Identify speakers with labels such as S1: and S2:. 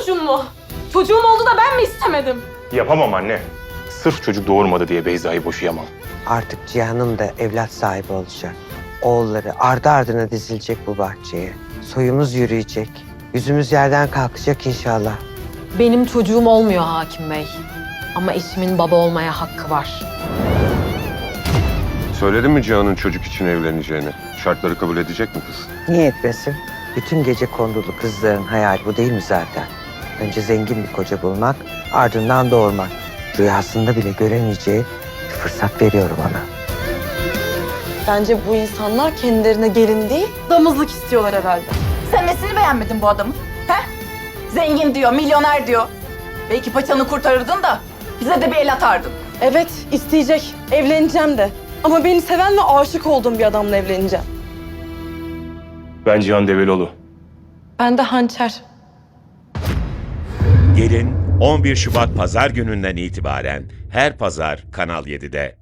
S1: çocuğun mu? Çocuğum oldu da ben mi istemedim?
S2: Yapamam anne. Sırf çocuk doğurmadı diye Beyza'yı boşayamam.
S3: Artık Cihan'ım da evlat sahibi olacak. Oğulları ardı ardına dizilecek bu bahçeye. Soyumuz yürüyecek. Yüzümüz yerden kalkacak inşallah.
S1: Benim çocuğum olmuyor hakim bey. Ama eşimin baba olmaya hakkı var.
S4: Söyledin mi Cihan'ın çocuk için evleneceğini? Şartları kabul edecek mi kız?
S3: Niye etmesin? Bütün gece kondulu kızların hayali bu değil mi zaten? Önce zengin bir koca bulmak, ardından doğurmak. Rüyasında bile göremeyeceği bir fırsat veriyorum ona.
S5: Bence bu insanlar kendilerine gelin değil, damızlık istiyorlar herhalde.
S6: Sen nesini beğenmedin bu adamın? He? Zengin diyor, milyoner diyor. Belki paçanı kurtarırdın da bize de bir el atardın.
S5: Evet, isteyecek. Evleneceğim de. Ama beni seven ve aşık olduğum bir adamla evleneceğim.
S2: Ben Cihan Develioğlu.
S5: Ben de hançer.
S7: Gelin 11 Şubat Pazar gününden itibaren her pazar Kanal 7'de.